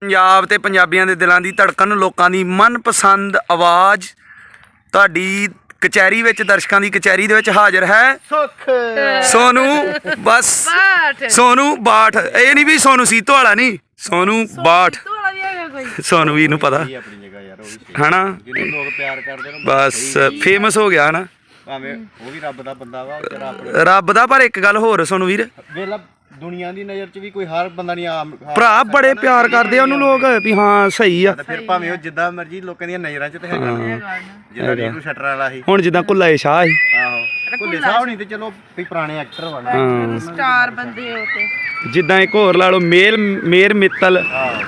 ਪੰਜਾਬ ਤੇ ਪੰਜਾਬੀਆਂ ਦੇ ਦਿਲਾਂ ਦੀ ਧੜਕਣ, ਲੋਕਾਂ ਦੀ ਮਨਪਸੰਦ ਆਵਾਜ਼ ਤੁਹਾਡੀ ਕਚਹਿਰੀ ਵਿੱਚ, ਦਰਸ਼ਕਾਂ ਦੀ ਕਚਹਿਰੀ ਦੇ ਵਿੱਚ ਹਾਜ਼ਰ ਹੈ ਸੁੱਖ ਸੋਨੂ। ਬਸ ਸੋਨੂ ਬਾਠ, ਇਹ ਨਹੀਂ ਵੀ ਸੋਨੂ ਸੀਤੋ ਵਾਲਾ ਨਹੀਂ, ਸੋਨੂ ਬਾਠ। ਸੋਨੂ ਵੀ ਨੂੰ ਪਤਾ ਆਪਣੀ ਜਗ੍ਹਾ ਯਾਰ, ਉਹ ਵੀ ਹਨਾ, ਜਿਹਨੂੰ ਲੋਕ ਪਿਆਰ ਕਰਦੇ ਨੇ ਬਸ ਫੇਮਸ ਹੋ ਗਿਆ ਹਨਾ, ਭਾਵੇਂ ਉਹ ਵੀ ਰੱਬ ਦਾ ਬੰਦਾ ਵਾ, ਤੇਰਾ ਆਪਣੇ ਰੱਬ ਦਾ। ਪਰ ਇੱਕ ਗੱਲ ਹੋਰ ਸੋਨੂ ਵੀਰ, ਵੇਲਾ ਦੁਨੀਆ ਦੀ ਨਜ਼ਰ 'ਚ ਵੀ ਕੋਈ ਹਰ ਬੰਦਾ ਨਹੀਂ ਆਮ ਭਰਾ ਬੜੇ ਪਿਆਰ ਕਰਦੇ ਆ ਉਹਨੂੰ ਲੋਕ ਵੀ ਹਾਂ ਸਹੀ ਆ। ਫਿਰ ਭਾਵੇਂ ਉਹ ਜਿੱਦਾਂ ਮਰਜੀ ਲੋਕਾਂ ਦੀਆਂ ਨਜ਼ਰਾਂ 'ਚ ਤੇ ਹੈਗਾ, ਜਿੱਦਾਂ ਰੀਰੂ ਸ਼ਟਰ ਵਾਲਾ ਸੀ। ਹੁਣ ਜਿੱਦਾਂ ਕੁੱਲਾ ਸ਼ਾਹ ਸੀ, ਆਹੋ ਭੁੱਲੇ ਸਾਹਿਬ ਨਹੀਂ ਤੇ ਚਲੋ ਵੀ ਪੁਰਾਣੇ ਐਕਟਰ ਵਾ ਨਾ, ਸਟਾਰ ਬੰਦੇ ਹੋ ਤੇ ਜਿੱਦਾਂ ਇੱਕ ਹੋਰ ਲਾ ਲਓ ਮੇਰ ਮਿੱਤਲ,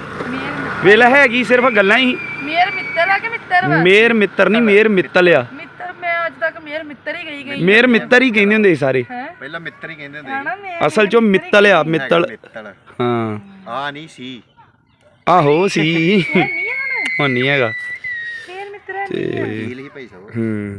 ਵੇਲਾ ਹੈਗੀ ਸਿਰਫ ਗੱਲਾਂ ਹੀ। ਮੇਰ ਮਿੱਤਰ ਆ ਕਿ ਮਿੱਤਰ ਵਾ? ਮੇਰ ਮਿੱਤਰ ਨਹੀਂ, ਮੇਰ ਮਿੱਤਲ ਆ। ਮਿੱਤਰ ਮੈਂ ਅੱਜ ਤੱਕ ਮੇਰ ਮਿੱਤਰ ਹੀ ਗਈ ਮੇਰ ਮਿੱਤਰ ਹੀ ਕਹਿੰਦੇ ਹੁੰਦੇ ਸੀ ਸਾਰੇ, ਪਹਿਲਾਂ ਮਿੱਤਰ ਹੀ ਕਹਿੰਦੇ ਹੁੰਦੇ ਹਨਾ। ਮੇਰ ਅਸਲ ਚੋਂ ਮਿੱਤਲ ਆ, ਮਿੱਤਲ। ਮਿੱਤਲ ਹਾਂ ਆ ਨਹੀਂ ਸੀ, ਆਹੋ ਸੀ, ਨਹੀਂ ਹੁਣ ਹੁਣ ਨਹੀਂ ਹੈਗਾ। ਮੇਰ ਮਿੱਤਰ ਹੈ ਵਕੀਲ ਹੀ ਭਾਈ ਸਾਹਿਬ,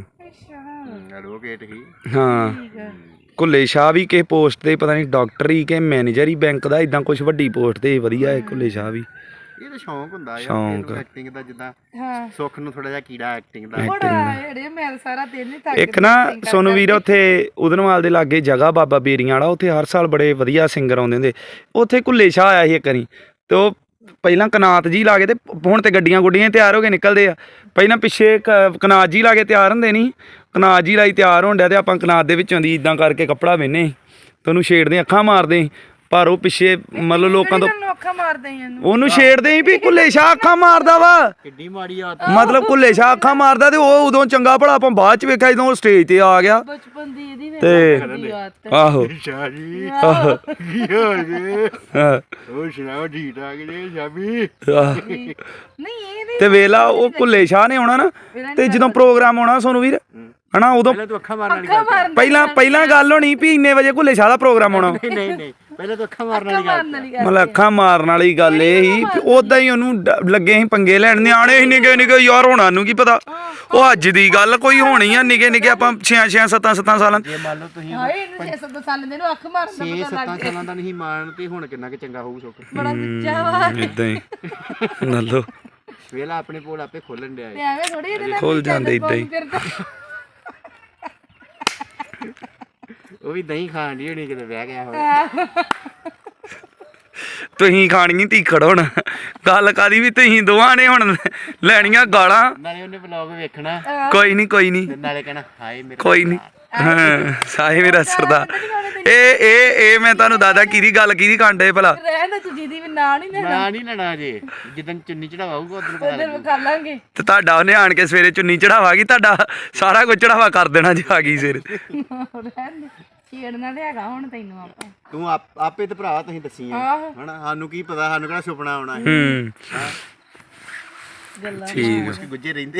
ਅੱਛਾ ਐਡਵੋਕੇਟ ਹੀ। ਹਾਂ ਕੁੱਲੇ ਸ਼ਾਹ ਵੀ ਕਿਸੇ ਪੋਸਟ ਤੇ, ਪਤਾ ਨਹੀਂ ਡਾਕਟਰ ਹੀ ਕਿ ਮੈਨੇਜਰ ਹੀ ਬੈਂਕ ਦਾ, ਇਦਾਂ ਕੁਝ ਵੱਡੀ ਪੋਸਟ ਤੇ। ਵਧੀਆ ਹੈ ਕੁੱਲੇ ਸ਼ਾਹ ਵੀ। ਇਹ ਤਾਂ ਸ਼ੌਂਕ ਹੁੰਦਾ ਸ਼ੌਂਕ। ਯਾਰ ਐਕਟਿੰਗ ਦਾ, ਜਿੱਦਾਂ ਹਾਂ ਸੁੱਖ ਨੂੰ ਥੋੜਾ ਜਿਹਾ ਕੀੜਾ ਐਕਟਿੰਗ ਦਾ। ਬੜਾ ਜਿਹੜੇ ਮੈਂ ਸਾਰਾ ਦਿਨ ਹੀ ਥੱਕ ਇੱਕ ਨਾ ਸੋਨੂ ਵੀਰ ਉੱਥੇ ਉਦਨਵਾਲ ਦੇ ਲਾਗੇ ਜਗ੍ਹਾ ਬਾਬਾ ਬੇਰੀਆਂ ਵਾਲਾ, ਉੱਥੇ ਹਰ ਸਾਲ ਬੜੇ ਵਧੀਆ ਸਿੰਗਰ ਆਉਂਦੇ ਹੁੰਦੇ। ਉੱਥੇ ਕੁੱਲੇ ਸ਼ਾਹ ਆਇਆ ਸੀ ਇੱਕ ਵਾਰੀ, ਤੇ ਉਹ ਪਹਿਲਾਂ ਕਨਾਤ ਜੀ ਲਾ ਕੇ, ਤੇ ਹੁਣ ਤੇ ਗੱਡੀਆਂ ਗੁੱਡੀਆਂ ਤਿਆਰ ਹੋ ਕੇ ਨਿਕਲਦੇ ਆ। ਪਹਿਲਾਂ ਪਿੱਛੇ ਕਨਾਤ ਜੀ ਲਾ ਕੇ ਤਿਆਰ ਹੁੰਦੇ ਨਹੀਂ, ਕਨਾਤ ਜੀ ਲਾਈ ਤਿਆਰ ਹੋਣ ਡਿਆ, ਤੇ ਆਪਾਂ ਕਨਾਤ ਦੇ ਵਿੱਚੋਂ ਦੀ ਇਦਾਂ ਕਰਕੇ ਕੱਪੜਾ ਵਿੰਨੇ ਤੇ ਉਹਨੂੰ ਛੇੜਦੇ, ਅੱਖਾਂ ਮਾਰਦੇ। ਪਰ ਉਹ ਪਿੱਛੇ ਮਤਲਬ ਲੋਕਾਂ ਤੋਂ ਅੱਖਾਂ ਮਾਰਦੇ ਇਹਨੂੰ, ਉਹਨੂੰ ਛੇੜਦੇ ਸੀ ਵੀ ਕੁੱਲੇ ਸ਼ਾਹ ਅੱਖਾਂ ਮਾਰਦਾ ਵਾ, ਕਿੱਡੀ ਮਾੜੀ ਆਦਤ। ਮਤਲਬ ਕੁੱਲੇ ਸ਼ਾਹ ਅੱਖਾਂ ਮਾਰਦਾ। ਤੇ ਉਹ ਉਦੋਂ ਚੰਗਾ ਭਲਾ ਆਪਾਂ ਬਾਅਦ ਚ ਵੇਖਿਆ ਜਦੋਂ ਉਹ ਸਟੇਜ ਤੇ ਆ ਗਿਆ। ਬਚਪਨ ਦੀ ਇਹਦੀ ਤੇ ਆਦਤ। ਆਹੋ ਸ਼ਾਜੀ ਆਹੋ ਕੀ ਹੋ ਗਿਆ? ਹਾਂ, ਉਹ ਸੁਣਾਓ ਠੀਕ ਠਾਕ ਜੀ ਸ਼ਾਬੀ? ਆਹ। ਨਹੀਂ ਇਹ ਤੇ ਵੇਲਾ ਉਹ ਕੁੱਲੇ ਸ਼ਾਹ ਨੇ ਆਉਣਾ ਨਾ, ਤੇ ਜਦੋਂ ਪ੍ਰੋਗਰਾਮ ਆਉਣਾ ਸੋਨੂ ਵੀਰ ਹਨਾ, ਉਦੋਂ ਪਹਿਲਾਂ ਤੂੰ ਅੱਖਾਂ ਮਾਰਨ ਵਾਲੀ ਗੱਲ। ਪਹਿਲਾਂ ਗੱਲ ਹੋਣੀ ਵੀ ਇੰਨੇ ਵਜੇ ਕੁੱਲੇ ਸ਼ਾਹ ਦਾ ਪ੍ਰੋਗਰਾਮ ਆਉਣਾ। ਨਹੀਂ ਪਹਿਲਾਂ ਤੂੰ ਅੱਖਾਂ ਮਾਰਨ ਵਾਲੀ ਗੱਲ। ਮਤਲਬ ਅੱਖਾਂ ਮਾਰਨ ਵਾਲੀ ਗੱਲ ਇਹ ਸੀ, ਉਦਾਂ ਹੀ ਉਹਨੂੰ ਲੱਗੇ ਸੀ ਪੰਗੇ ਲੈਣ। ਨਿਆਣੇ ਸੀ ਨਿੱਕੇ ਨਿੱਕੇ ਯਾਰ, ਹੋਣਾ ਨੂੰ ਕੀ ਪਤਾ। ਉਹ ਅੱਜ ਦੀ ਗੱਲ ਕੋਈ ਹੋਣੀ ਆ, ਨਿੱਕੇ ਨਿੱਕੇ ਆਪਾਂ 6 7 ਸਾਲਾਂ। ਜੇ ਮੰਨ ਲਓ ਤੁਸੀਂ ਹਾਏ ਇਹਨੂੰ 6-7 ਸਾਲ ਦੇ ਨੂੰ ਅੱਖ ਮਾਰਨ ਦਾ 6-7 ਸਾਲਾਂ ਦਾ ਨਹੀਂ ਮਾਰਨ, ਤੇ ਹੁਣ ਕਿੰਨਾ ਕਿ ਚੰਗਾ ਹੋਊ ਸੁੱਖ। ਬੜਾ ਉੱਚਾ ਵਾ ਇਦਾਂ ਹੀ ਨੱਲੋ ਵੇਲਾ ਆਪਣੇ ਕੋਲ ਆਪੇ ਖੋਲਣ ਡਿਆ ਤੇ ਐਵੇਂ ਥੋੜੀ ਇਹਦੇ ਨਾਲ ਖੁੱਲ ਜਾਂਦੇ ਏਦਾਂ ਹੀ। ਉਹ ਵੀ ਦਹੀਂ ਖਾਣ ਦੀ ਹੋਣੀ ਕਿਤੇ ਬਹਿ ਗਿਆ ਹੋਵੇ। ਤੁਸੀਂ ਖਾਣੀ ਧੀਖੜ ਹੁਣ, ਗੱਲ ਕਾਦੀ ਵੀ ਤੁਸੀਂ ਦੋਵਾਂ ਨੇ ਹੁਣ ਲੈਣੀਆਂ ਗਾਲਾਂ। ਨਾਲੇ ਉਹਨੇ ਵਲੌਗ ਵੇਖਣਾ, ਕੋਈ ਨਹੀਂ ਤੇ ਨਾਲੇ ਕਹਿਣਾ ਹਾਏ ਮੇਰੇ ਕੋਈ ਨਹੀਂ। ਹਾਂ ਸਾਹੇ ਮੇਰਾ ਸਰਦਾਰ। ਇਹ ਮੈਂ ਤੁਹਾਨੂੰ ਦਾਦਾ ਕਿਹਦੀ ਗੱਲ ਕਿਹਦੀ ਕਾਂਡੇ ਭਲਾ। ਰਹਿਣ ਦੇ ਤੂੰ ਜਿਹਦੀ ਵੀ ਨਾਂ ਨਹੀਂ ਲੈਣਾ, ਨਾ ਨਹੀਂ ਲੈਣਾ ਜੇ, ਜਿੱਦਾਂ ਚੁੰਨੀ ਚੜਾਵਾਊਗਾ ਉਦੋਂ ਪਤਾ ਉਧਰ ਵਿਖਾ ਲਾਂਗੇ। ਤੇ ਤੁਹਾਡਾ ਉਹਨੇ ਆਣ ਕੇ ਸਵੇਰੇ ਚੁੰਨੀ ਚੜਾਵਾਗੀ, ਤੁਹਾਡਾ ਸਾਰਾ ਕੁਝ ਚੜਾਵਾ ਕਰ ਦੇਣਾ ਜੇ ਆ ਗਈ ਸਵੇਰੇ। ਰਹਿਣ ਦੇ, ਛੇੜਨਾ ਤੇ ਹੈਗਾ ਹੁਣ ਤੈਨੂੰ ਆਪਾਂ। ਤੂੰ ਆਪੇ ਤੇ ਭਰਾ ਤੁਸੀਂ ਦੱਸੀ ਆ ਹਨਾ, ਸਾਨੂੰ ਕੀ ਪਤਾ, ਸਾਨੂੰ ਕਿਹੜਾ ਸੁਪਨਾ ਆਉਣਾ ਹੈ। ਗੱਲਾਂ ਠੀਕ ਮੁਸ਼ਕ ਗੁੱਜੇ ਰਹਿੰਦੇ।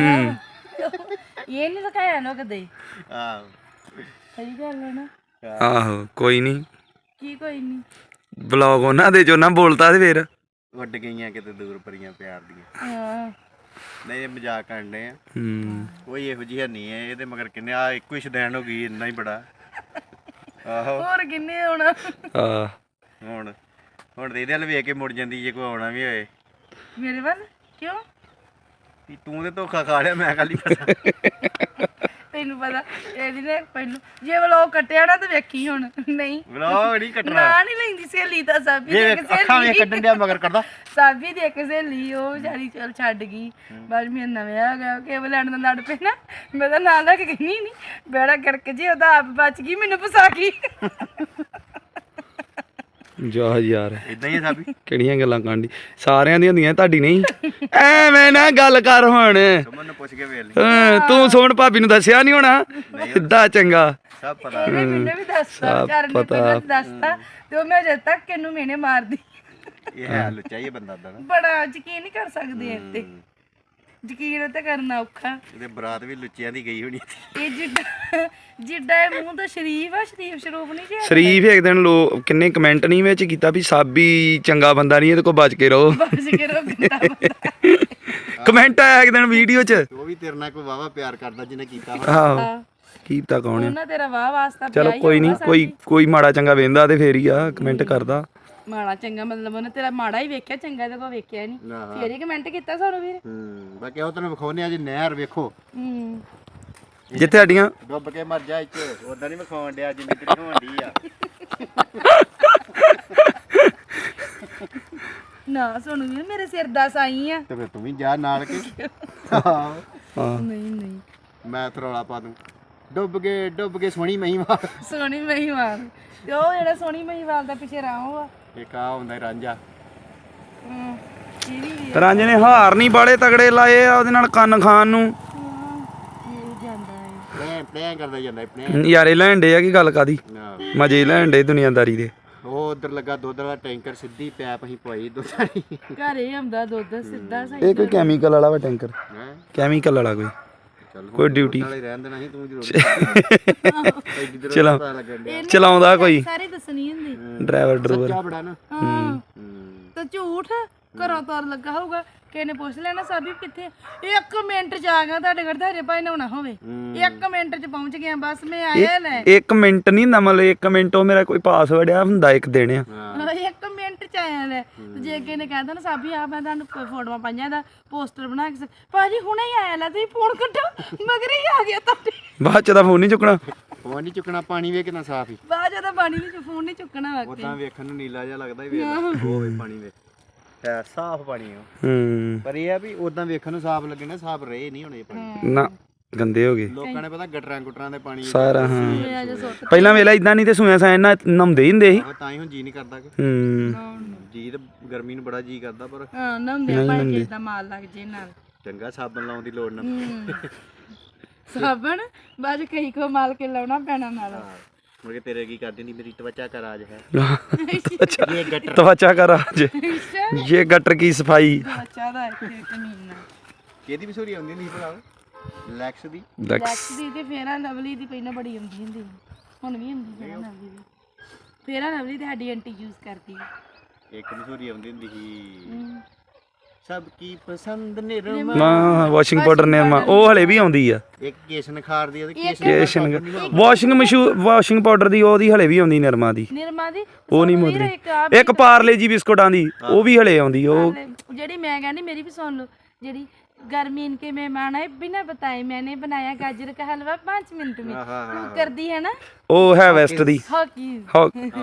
ਇਹ ਨਹੀਂ ਦਿਖਾਇਆ ਨਾ ਕਦੇ। ਆਹੋ ਸਹੀ ਗੱਲ ਹੈ ਨਾ। ਆਹੋ ਕੋਈ ਨਹੀਂ, ਕੀ ਕੋਈ ਨਹੀਂ, ਬਲੌਗ ਉਹਨਾਂ ਦੇ ਚੋਂ ਨਾ ਬੋਲਤਾ ਤੇ ਫੇਰ ਵੱਡ ਗਈਆਂ ਕਿਤੇ ਦੂਰ ਪਰੀਆਂ ਪਿਆਰ ਦੀਆਂ। ਹਾਂ ਨਹੀਂ ਇਹ ਮਜ਼ਾਕ ਕਰਨ ਦੇ ਆ, ਕੋਈ ਇਹੋ ਜਿਹੀ ਨਹੀਂ ਹੈ ਇਹਦੇ ਮਗਰ। ਕਿੰਨੇ ਆ ਇੱਕੋ ਹੀ ਸ਼ਦੈਣ ਹੋ ਗਈ, ਇੰਨਾ ਹੀ ਬੜਾ। ਆਹੋ ਹੋਰ ਕਿੰਨੇ ਹੋਣਾ। ਆ ਹੁਣ ਤੇ ਇਹਦੇ ਵੱਲ ਵੇਖ ਕੇ ਮੁੜ ਜਾਂਦੀ ਜੇ ਕੋਈ ਆਉਣਾ ਵੀ ਹੋਏ। ਮੇਰੇ ਵੱਲ ਕਿਉਂ? ਵੀ ਤੂੰ ਤੇ ਧੋਖਾ ਖਾ ਲਿਆ, ਮੈਂ ਖਾਲੀ ਪਤਾ। ਤੈਨੂੰ ਪਤਾ ਇਹਦੀ ਨੇ ਪਹਿਲੋਂ ਜੇ ਵਲੋਗ ਕੱਟਿਆ ਨਾ ਤੇ ਵੇਖੀ ਹੁਣ। ਨਹੀਂ ਵਲੌਗ ਨਹੀਂ ਕੱਟਣਾ, ਨਾ ਨਹੀਂ ਲੈਂਦੀ ਸਹੇਲੀ ਤਾਂ ਸਾਬੀ ਇਹ ਦੇ ਅੱਖਾਂ ਵੇਖ ਕੱਢਣ ਡਿਆ ਮਗਰ ਕਰਦਾ। ਸਾਬੀ ਦੇ ਕੇ ਸਹੇਲੀ ਉਹ ਵਿਚਾਰੀ ਚਲ ਛੱਡ ਗਈ। ਬਾਅਦ ਮੈਂ ਨਵੇਂ ਆ ਗਿਆ ਕੇਵਲ ਲੈਣ ਦਾ ਲੜ ਪਏ ਨਾ, ਮੈਂ ਤਾਂ ਨਾਂ ਲੈ ਕੇ ਗਈ ਨਹੀਂ ਬੇੜਾ ਗੜਕ ਜੇ ਉਹਦਾ ਆਪ ਬਚ ਗਈ, ਮੈਨੂੰ ਫਸਾ ਗਈ। ਜਾ ਯਾਰ ਇਦਾਂ ਹੀ ਆ ਸਾਬੀ। ਕਿਹੜੀਆਂ ਗੱਲਾਂ ਕਾਂਡੀ, ਸਾਰਿਆਂ ਦੀਆਂ ਹੁੰਦੀਆਂ, ਤੁਹਾਡੀ ਨਹੀਂ। ਐਵੇਂ ਨਾ ਗੱਲ ਕਰ ਹੁਣ। ਸੁਮਨ ਨੂੰ ਪੁੱਛ ਕੇ ਵੇਖ ਲਈ, ਤੂੰ ਸੋਹਣ ਭਾਬੀ ਨੂੰ ਦੱਸਿਆ ਨਹੀਂ ਹੋਣਾ, ਸਿੱਧਾ ਚੰਗਾ। ਸਭ ਪਤਾ। ਮੈਨੂੰ ਵੀ ਦੱਸਤਾ ਵਿਚਾਰੇ ਨੇ ਪਹਿਲਾਂ ਦੱਸਤਾ, ਤੇ ਉਹ ਮੈਂ ਅਜੇ ਤੱਕ ਇਹਨੂੰ ਮੈਨੇ ਮਾਰਦੀ। ਇਹ ਹੈ ਲੁੱਚਾ ਹੀ ਬੰਦਾ ਦਾ ਨਾ, ਬੜਾ ਯਕੀਨ ਨਹੀਂ ਕਰ ਸਕਦੇ ਇਹ ਤੇ, ਯਕੀਨ ਤੇ ਕਰਨਾ ਔਖਾ। ਇਹਦੇ ਬਰਾਤ ਵੀ ਲੁੱਚਿਆਂ ਦੀ ਗਈ ਹੋਣੀ। ਇਹ ਜਿੱਡਾ ਇਹ ਮੂੰਹ ਤਾਂ ਸ਼ਰੀਫ ਆ, ਸ਼ਰੀਫ ਸ਼ਰੂਫ ਨਹੀਂ ਜਿਹਾ। ਸ਼ਰੀਫ ਇੱਕ ਦਿਨ ਕਿੰਨੇ ਕਮੈਂਟ ਨਹੀਂ ਵਿੱਚ ਕੀਤਾ ਵੀ ਸਾਬੀ ਚੰਗਾ ਬੰਦਾ ਨਹੀਂ, ਇਹਦੇ ਕੋਲ ਬਚ ਕੇ ਰਹੋ। ਬਸ ਕੇ ਰੋਕਦਾ ਬੰਦਾ। ਕਮੈਂਟ ਆਇਆ ਇੱਕ ਦਿਨ ਵੀਡੀਓ 'ਚ। ਉਹ ਵੀ ਤੇਰੇ ਨਾਲ ਕੋਈ ਵਾਵਾ ਪਿਆਰ ਕਰਦਾ ਜਿਹਨੇ ਕੀਤਾ। ਆਹੋ ਕੀ ਪਤਾ ਕੌਣ ਆ। ਉਹਨਾਂ ਤੇਰਾ ਵਾਹ ਵਾਸਤਾ ਚਲੋ ਕੋਈ ਨਹੀਂ, ਕੋਈ ਮਾੜਾ ਚੰਗਾ ਵੇਂਦਾ ਤੇ ਫੇਰ ਹੀ ਆ ਕਮੈਂਟ ਕਰਦਾ। ਮਾੜਾ ਚੰਗਾ ਮਤਲਬ ਉਹਨੇ ਤੇਰਾ ਮਾੜਾ ਹੀ ਵੇਖਿਆ, ਚੰਗਾ ਤੇ ਕੋ ਵੇਖਿਆ ਨਹੀਂ, ਫੇਰ ਹੀ ਕਮੈਂਟ ਕੀਤਾ ਸਾਨੂੰ ਵੀਰ। ਬਾਕੀ ਉਹ ਤੈਨੂੰ ਵਿਖਾਉਣੇ ਅੱਜ ਨਹਿਰ ਵੇਖੋ ਜਿੱਥੇ ਸਾਡੀਆਂ ਡੁੱਬ ਕੇ ਮਰ ਜਾ ਇੱਥੇ, ਉਦਾਂ ਨਹੀਂ ਵਿਖਾਉਣ ਡਿਆ ਜਿੰਨੀ ਤੇਰੀ ਹੋਣ ਡਈ ਆ। ਨਾ ਸੋਨੂੰ ਵੀਰ ਮੇਰੇ ਸਿਰ ਦਾ ਸਾਈ ਆ। ਤੇ ਫਿਰ ਤੂੰ ਵੀ ਜਾ ਨਾਲ ਕੇ। ਨਹੀਂ ਮੈਂ ਤਰੌਲਾ ਪਾ ਦੂੰ, ਡੁੱਬ ਕੇ ਸੋਹਣੀ ਮਹੀਵਾਲ। ਸੋਹਣੀ ਮਹੀਵਾਲ ਤੇ ਉਹ ਜਿਹੜਾ ਸੋਹਣੀ ਮਹੀਵਾਲ ਦਾ ਪਿੱਛੇ ਰਾਹੋਂ ਆ ਇੱਕ ਆ ਹੁੰਦਾ ਰਾਂਝਾ। ਇਹ ਵੀ ਰਾਂਝੇ ਨੇ ਹਾਰ ਨਹੀਂ ਬਾਲੇ ਤਗੜੇ ਲਾਏ ਆ ਉਹਦੇ ਨਾਲ ਕੰਨ ਖਾਣ ਨੂੰ। ਇਹ ਜਾਂਦਾ ਹੈ ਪਲੈਂ ਕਰਦਾ ਜਾਂਦਾ ਪਲੈਂ। ਯਾਰੇ ਲੈਣ ਡੇ ਆ ਕੀ ਗੱਲ ਕਾਦੀ, ਮਜ਼ੇ ਲੈਣ ਡੇ ਦੁਨੀਆਦਾਰੀ ਦੇ। ਉਹ ਉਧਰ ਲੱਗਾ ਦੁੱਧ ਵਾਲਾ ਟੈਂਕਰ, ਸਿੱਧੀ ਪੈਪ ਅਸੀਂ ਪਵਾਈ ਦੁੱਧ ਵਾਲੀ। ਘਰੇ ਆਉਂਦਾ ਦੁੱਧ ਸਿੱਧਾ ਸਹੀ। ਇਹ ਕੋਈ ਕੈਮੀਕਲ ਵਾਲਾ ਵਾ ਟੈਂਕਰ, ਹੈ ਕੈਮੀਕਲ ਵਾਲਾ ਕੋਈ ਚੱਲ ਕੋਈ ਡਿਊਟੀ ਨਾਲੇ ਰਹਿਣ ਦੇਣਾ ਸੀ ਤੂੰ ਜ਼ਰੂਰ। ਚਲਾ ਲੱਗਣ ਡਿਆ ਚਲਾਉਂਦਾ ਕੋਈ ਸਾਰੇ ਦੱਸਣੀ ਹੁੰਦੀ ਡਰਾਈਵਰ ਡਰੂਵਰ। ਸੱਚਾ ਬੜਾ ਨਾ। ਹਾਂ ਤੇ ਝੂਠ ਘਰੋਂ ਤੁਰ ਲੱਗਾ ਹੋਊਗਾ, ਕਿਸੇ ਨੇ ਪੁੱਛ ਲੈਣਾ ਸਾਬੀ ਕਿੱਥੇ, 1 ਮਿੰਟ ਚ ਆ ਗਿਆ ਤੁਹਾਡੇ ਘਰ ਧਾਰੇ ਭਾਈ ਨਹਾਉਣਾ ਹੋਵੇ, 1 ਮਿੰਟ ਚ ਪਹੁੰਚ ਗਿਆ ਬਸ ਮੈਂ ਆਇਆ ਲੈ। 1 ਮਿੰਟ ਨਹੀਂ ਨਾ, ਮਤਲਬ 1 ਮਿੰਟ ਉਹ ਮੇਰਾ ਕੋਈ ਪਾਸਵਰਡ ਆ ਹੁੰਦਾ ਇੱਕ ਦਿਨ ਆ। 1 ਮਿੰਟ ਚ ਆਇਆ ਲੈ। ਤੇ ਜੇ ਕਿਸੇ ਨੇ ਕਹਿ ਦੇਣਾ ਸਾਬੀ ਆ ਮੈਂ ਤੁਹਾਨੂੰ ਫੋਟੋਆਂ ਪਾਈਆਂ ਦਾ ਪੋਸਟਰ ਬਣਾ ਕੇ ਭਾਜੀ ਹੁਣੇ ਹੀ ਆਇਆ ਲੈ, ਤੁਸੀਂ ਫੋਨ ਕੱਟੋ ਮਗਰ ਹੀ ਆ ਗਿਆ ਤੁਹਾਡੇ। ਬਾਅਦ ਚ ਦਾ ਫੋਨ ਨਹੀਂ ਚੁੱਕਣਾ। ਫੋਨ ਨਹੀਂ ਚੁੱਕਣਾ, ਪਾਣੀ ਵੇ ਕਿੰਨਾ ਸਾਫ ਹੀ। ਬਾਅਦ ਜਦੋਂ ਪਾਣੀ ਵਿੱਚ ਫੋਨ ਨਹੀਂ ਚੁੱਕਣਾ ਵਾਕਈ। ਉਦਾਂ ਵੇਖਣ ਨੂੰ ਨੀਲਾ ਜਿਹਾ ਲੱਗਦਾ ਹੀ ਵੇਖ ਉਹ ਵੇ ਪਾਣੀ ਵੇ ਹੈ ਸਾਫ ਪਾਣੀ ਆ। ਪਰ ਇਹ ਆ ਵੀ ਉਦਾਂ ਵੇਖਣ ਨੂੰ ਸਾਫ ਲੱਗਣਾ, ਸਾਫ ਰਹੇ ਨਹੀਂ ਹੋਣੇ ਪਾਣੀ ਨਾ ਗੰਦੇ ਹੋ ਗਏ ਲੋਕਾਂ ਨੇ ਪਤਾ ਗਟਰਾਂ ਗੁਟਰਾਂ ਦੇ ਪਾਣੀ ਸਾਰਾ। ਹਾਂ ਪਹਿਲਾਂ ਵੇਲਾ ਇਦਾਂ ਨਹੀਂ ਤੇ ਸੂਇਆ ਸਾਂ ਇਹਨਾਂ ਨਹਾਉਂਦੇ ਹੀ ਹੁੰਦੇ ਸੀ। ਤਾਂ ਹੀ ਹੁਣ ਜੀ ਨਹੀਂ ਕਰਦਾ ਕਿ ਜੀ ਤੇ ਗਰਮੀ ਨੂੰ ਬੜਾ ਜੀ ਕਰਦਾ, ਪਰ ਹਾਂ ਨਹਾਉਂਦੇ ਭਾਈ ਕਿਸ ਦਾ ਮਾਲ ਲੱਗ ਜੇ ਨਾਲ ਚੰਗਾ ਸਾਬਣ ਲਾਉਣ ਦੀ ਲੋੜ ਨਾ। ਸਾਬਣ ਬਾਅਦ ਕਈ ਕੋ ਮਾਲ ਕੇ ਲਾਉਣਾ ਪੈਣਾ ਨਾਲ। ਮੁੜ ਕੇ ਤੇਰੇ ਕੀ ਕਰ ਦਿੰਦੀ ਮੇਰੀ ਤਵਚਾ ਕਰ ਆਜ ਹੈ। ये त्वचा का राज, ये गटर की सफाई। ਬੱਚਾ ਦਾ ਇੱਥੇ ਕਮੀਨਾ ਕਿਹਦੀ ਮਸ਼ਹੂਰੀ ਆਉਂਦੀ ਨਹੀਂ ਭਰਾ? ਲੈਕਸ ਦੀ। ਲੈਕਸ ਦੀ ਤੇ ਫੇਰਾ ਲਵਲੀ ਦੀ ਪਹਿਲਾਂ ਬੜੀ ਆਉਂਦੀ ਹੁੰਦੀ, ਹੁਣ ਵੀ ਹੁੰਦੀ ਫੇਰਾ ਲਵਲੀ ਦੀ। ਫੇਰਾ ਲਵਲੀ ਤੇ ਸਾਡੀ ਆਂਟੀ ਯੂਜ਼ ਕਰਦੀ ਹੈ। ਇੱਕ ਮਸ਼ਹੂਰੀ ਆਉਂਦੀ ਹੁੰਦੀ ਸੀ, ਸਭ ਕੀ ਪਸੰਦ ਨਿਰਮਾ। ਨਾ ਵਾਸ਼ਿੰਗ ਪਾਊਡਰ ਨਿਰਮਾ ਉਹ ਹਲੇ ਵੀ ਆਉਂਦੀ ਆ। ਇੱਕ ਕੇਸ਼ਨ ਖਾਰ ਦੀ ਤੇ ਕੇਸ਼ਨ ਵਾਸ਼ਿੰਗ ਪਾਊਡਰ ਦੀ ਉਹਦੀ ਹਲੇ ਵੀ ਆਉਂਦੀ ਨਿਰਮਾ ਦੀ। ਨਿਰਮਾ ਦੀ ਉਹ ਨਹੀਂ ਮੁੱਦਰੀ। ਇੱਕ ਪਾਰਲੇ ਜੀ ਬਿਸਕੁਟਾਂ ਦੀ ਉਹ ਵੀ ਹਲੇ ਆਉਂਦੀ। ਉਹ ਜਿਹੜੀ ਮੈਂ ਕਹਿੰਦੀ ਮੇਰੀ ਵੀ ਸੁਣ ਲਓ, ਜਿਹੜੀ गर्मी इनके मेहमान आए बिना बताए मैंने बनाया गाजर का हलवा 5 मिनट में, वो कर दी है ना। ओ है वेस्ट दी हॉकिंस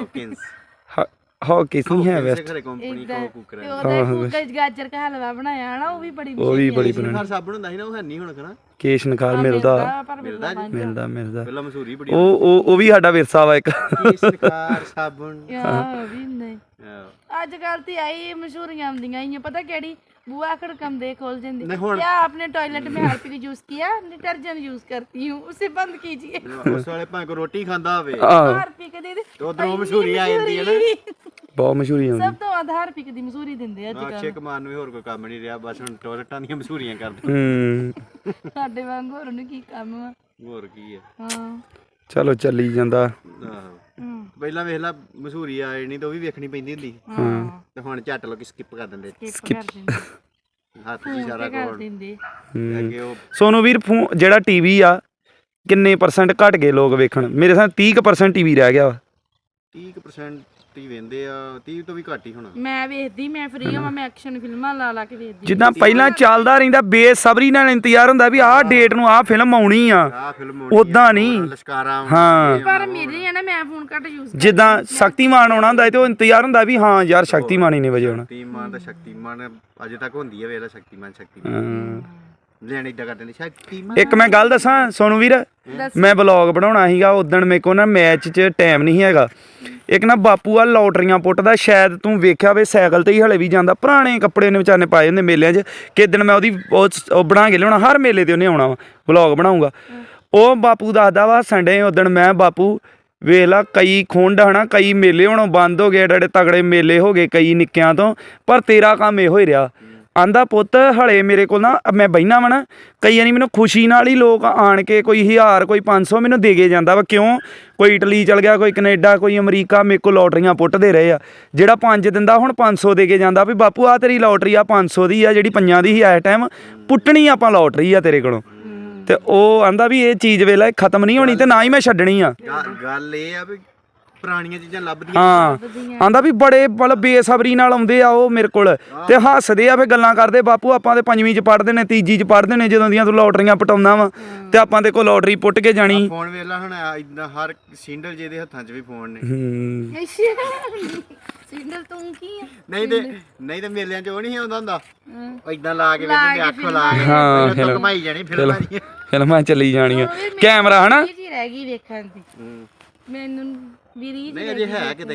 हॉकिंस नहीं है वेस्ट कंपनी को कुकर है। ਉਹਦਾ ਗਾਜਰ का हलवा बनाया ना, ਉਹ ਵੀ ਬੜੀ ਬਣਾਈ। ਹਰ ਸਾਬਣ ਹੁੰਦਾ ਸੀ ਨਾ, ਉਹ ਹੈ ਨਹੀਂ ਹੁਣ ਕਰਾ। ਕੇਸ਼ਨ ਖਾਰ ਮਿਲਦਾ ਮਿਲਦਾ ਪਹਿਲਾਂ ਮਸ਼ਹੂਰੀ ਬੜੀ। ਉਹ ਵੀ ਸਾਡਾ ਵਿਰਸਾ ਵਾ ਇੱਕ। ਕੇਸ਼ਨ ਖਾਰ ਸਾਬਣ ਆ ਵੀ ਨਹੀਂ ਅੱਜ ਕੱਲ ਤੇ ਆਈ ਮਸ਼ਹੂਰੀਆਂ ਆਉਂਦੀਆਂ ਹੀ ਪਤਾ ਕਿਹੜੀ बुआ खड़कम दे खोल देंगे। क्या आपने टॉयलेट में हार्पिक यूज किया? डिटर्जेंट यूज करती हूँ, उसे बंद कीजिए। उस वाले भाई को रोटी खांदा होवे हार्पिक दे दे तो उधरों मशहूरी आ जाती है ना, बहुत मशहूरी आउंदी। सब तो आधार पिक दी मशहूरी दिंदे ਅੱਜ ਕੱਲ। ਅਕਸ਼ੇ ਕੁਮਾਰ ਨੂੰ ਹੋਰ ਕੋਈ ਕੰਮ ਨਹੀਂ ਰਿਹਾ, ਬਸ ਹੁਣ ਟੋਇਲਟਾਂ ਦੀਆਂ ਮਸ਼ਹੂਰੀਆਂ ਕਰਦੇ। ਸਾਡੇ ਵਾਂਗ ਹੋਰ ਨੂੰ ਕੀ ਕੰਮ ਆ, ਹੋਰ ਕੀ ਹੈ। ਹਾਂ ਚਲੋ ਚੱਲੀ ਜਾਂਦਾ। ਆਹੋ ਪਹਿਲਾਂ ਵੇਖ ਲਾ ਮਸ਼ਹੂਰੀ ਆ ਨਹੀਂ ਤਾਂ ਉਹ ਵੀ ਵੇਖਣੀ ਪੈਂਦੀ ਹੁੰਦੀ, ਤੇ ਹੁਣ ਝੱਟ ਲੋਕੀ ਸਕਿਪ ਕਰ ਦਿੰਦੇ। ਹੱਥ ਦੀ ਸਾਰਾ ਕੋਲ ਦਿੰਦੇ ਅੱਗੇ। ਉਹ ਸੋਨੂ ਵੀਰ ਜਿਹੜਾ ਟੀਵੀ ਆ ਕਿੰਨੇ % ਘਟ ਗਏ ਲੋਕ ਵੇਖਣ? ਮੇਰੇ ਸਾਹ 30% ਟੀਵੀ ਰਹਿ ਗਿਆ ਵਾ। 30% ਹੀ ਵੇਂਦੇ ਆ, 30 ਤੋਂ ਵੀ ਘੱਟ ਹੀ ਹੋਣਾ। ਮੈਂ ਵੇਖਦੀ, ਮੈਂ ਫ੍ਰੀ ਹਾਂ, ਮੈਂ ਐਕਸ਼ਨ ਫਿਲਮਾਂ ਲਾ ਲਾ ਕੇ ਵੇਖਦੀ। ਜਿੱਦਾਂ ਪਹਿਲਾਂ ਚੱਲਦਾ ਰਹਿੰਦਾ ਬੇਸਬਰੀ ਨਾਲ ਇੰਤਜ਼ਾਰ ਹੁੰਦਾ ਵੀ ਆਹ ਡੇਟ ਨੂੰ ਆਹ ਫਿਲਮ ਆਉਣੀ ਆ, ਆਹ ਫਿਲਮ ਉਦਾਂ ਨਹੀਂ। ਲਸ਼ਕਾਰਾ ਹਾਂ ਪਰ ਮੇਰੇ ਆ ਨਾ, ਮੈਂ ਫੋਨ ਘੱਟ ਯੂਜ਼ ਜਿੱਦਾਂ ਸ਼ਕਤੀਮਾਨ ਆਉਣਾ ਹੁੰਦਾ ਤੇ ਉਹ ਇੰਤਜ਼ਾਰ ਹੁੰਦਾ ਵੀ ਹਾਂ ਯਾਰ ਸ਼ਕਤੀਮਾਨ ਹੀ ਨੇ ਵਜੇ ਆਉਣਾ। ਸ਼ਕਤੀਮਾਨ ਦਾ ਸ਼ਕਤੀਮਾਨ ਅਜੇ ਤੱਕ ਹੁੰਦੀ ਹੈ ਵੇਲਾ ਸ਼ਕਤੀਮਾਨ ਲੈਣੀ ਏਦਾਂ ਕਰਦੇ ਨੇ ਸ਼ਕਤੀਮਾਨ। ਇੱਕ ਮੈਂ ਗੱਲ ਦੱਸਾਂ ਸੋਨੂ ਵੀਰ, ਮੈਂ ਵਲੌਗ ਬਣਾਉਣਾ ਸੀਗਾ ਉਦਣ, ਮੇਰੇ ਕੋਲ ਨਾ ਮੈਚ 'ਚ ਟਾਈਮ ਨਹੀਂ ਹੈਗਾ। ਇੱਕ ਨਾ ਬਾਪੂ ਆ ਲੋਟਰੀਆਂ ਪੁੱਟਦਾ, ਸ਼ਾਇਦ ਤੂੰ ਵੇਖਿਆ ਵੇ, ਸਾਈਕਲ ਤੇ ਹੀ ਹਲੇ ਵੀ ਜਾਂਦਾ, ਪੁਰਾਣੇ ਕੱਪੜੇ ਨੇ ਵਿਚਾਰੇ ਪਾਏ ਹੁੰਦੇ ਮੇਲਿਆਂ 'ਚ। ਕਿਸ ਦਿਨ ਮੈਂ ਉਹਦੀ ਉਹ ਬਣਾ ਕੇ ਲਿਆਉਣਾ, ਹਰ ਮੇਲੇ ਤੇ ਉਹਨੇ ਆਉਣਾ ਵਾ, ਵਲੌਗ ਬਣਾਉਂਗਾ। ਉਹ ਬਾਪੂ ਦੱਸਦਾ ਵਾ ਸੰਡੇ ਉਦਣ ਮੈਂ ਬਾਪੂ ਵੇਖ ਲਾ ਕਈ ਖੁੰਡ ਹਨਾ, ਕਈ ਮੇਲੇ ਹੁਣ ਬੰਦ ਹੋ ਗਏ, ਏਡੇ ਤਗੜੇ ਮੇਲੇ ਹੋ ਗਏ ਕਈ ਨਿੱਕਿਆਂ ਤੋਂ, ਪਰ ਤੇਰਾ ਕੰਮ ਇਹੋ ਹੀ ਰਿਹਾ। ਆਂਦਾ ਪੁੱਤ ਹਲੇ ਮੇਰੇ ਕੋਲ ਨਾ ਮੈਂ ਬਹਿਨਾ ਵਾ ਨਾ, ਕਈ ਵਾਰੀ ਮੈਨੂੰ ਖੁਸ਼ੀ ਨਾਲ ਹੀ ਲੋਕ ਆਣ ਕੇ ਕੋਈ 1000 ਕੋਈ 500 ਮੈਨੂੰ ਦੇ ਕੇ ਜਾਂਦਾ ਵਾ। ਕਿਉਂ? ਕੋਈ ਇਟਲੀ ਚਲ ਗਿਆ, ਕੋਈ ਕੈਨੇਡਾ, ਕੋਈ ਅਮਰੀਕਾ, ਮੇਰੇ ਕੋਲ ਲੋਟਰੀਆਂ ਪੁੱਟਦੇ ਰਹੇ ਆ। ਜਿਹੜਾ 5 ਦਿੰਦਾ ਹੁਣ 500 ਦੇ ਕੇ ਜਾਂਦਾ ਵੀ ਬਾਪੂ ਆ ਤੇਰੀ ਲੋਟਰੀ ਆ 500 ਦੀ ਆ, ਜਿਹੜੀ 5 ਦੀ ਸੀ ਇਸ ਟਾਈਮ ਪੁੱਟਣੀ ਆਪਾਂ ਲੋਟਰੀ ਆ ਤੇਰੇ ਕੋਲੋਂ। ਤੇ ਉਹ ਆਂਦਾ ਵੀ ਇਹ ਚੀਜ਼ ਵੇਲਾ ਖਤਮ ਨਹੀਂ ਹੋਣੀ ਤੇ ਨਾ ਹੀ ਮੈਂ ਛੱਡਣੀ ਆ। ਗੱਲ ਇਹ ਆ ਵੀ ਪੁਰਾਣੀਆਂ ਚੀਜ਼ਾਂ ਲੱਭਦੀਆਂ ਹਾਂ ਆਂਦਾ ਵੀ ਬੜੇ ਮਤਲਬ ਬੇਸਬਰੀ ਨਾਲ ਆਉਂਦੇ ਆ ਉਹ ਮੇਰੇ ਕੋਲ ਤੇ ਹੱਸਦੇ ਆ ਫੇ ਗੱਲਾਂ ਕਰਦੇ ਬਾਪੂ ਆਪਾਂ ਤੇ 5ਵੀਂ ਚ ਪੜ੍ਹਦੇ ਨੇ 3ਜੀ ਚ ਪੜ੍ਹਦੇ ਨੇ ਜਦੋਂ ਦੀਆਂ ਤੂੰ ਲੋਟਰੀਆਂ ਪਟਾਉਂਦਾ ਵਾ ਤੇ ਆਪਾਂ ਤੇ ਕੋਈ ਲੋਟਰੀ ਪੁੱਟ ਕੇ ਜਾਣੀ ਫੋਨ ਵੇਲਾ ਹੁਣ ਇਦਾਂ ਹਰ ਸਿੰਡਲ ਜਿਹਦੇ ਹੱਥਾਂ 'ਚ ਵੀ ਫੋਨ ਨੇ ਸਿੰਡਲ ਤੂੰ ਕੀ ਆ ਨਹੀਂ ਤੇ ਮੇਲਿਆਂ 'ਚ ਉਹ ਨਹੀਂ ਆਉਂਦਾ ਹੁੰਦਾ ਇਦਾਂ ਲਾ ਕੇ ਵੇਖਦੇ ਅੱਖ ਲਾ ਕੇ ਪਹਿਲਾਂ ਘੁਮਾਈ ਜਾਣੀ ਫਿਲਮਾਂ ਚੱਲੀ ਜਾਣੀਆਂ ਕੈਮਰਾ ਹਨਾ ਜੀ ਰਹਿ ਗਈ ਵੇਖਣ ਦੀ ਮੈਨੂੰ ਵੀ ਰੀਝ ਨਹੀਂ ਅਜੇ ਹੈ ਕਿਤੇ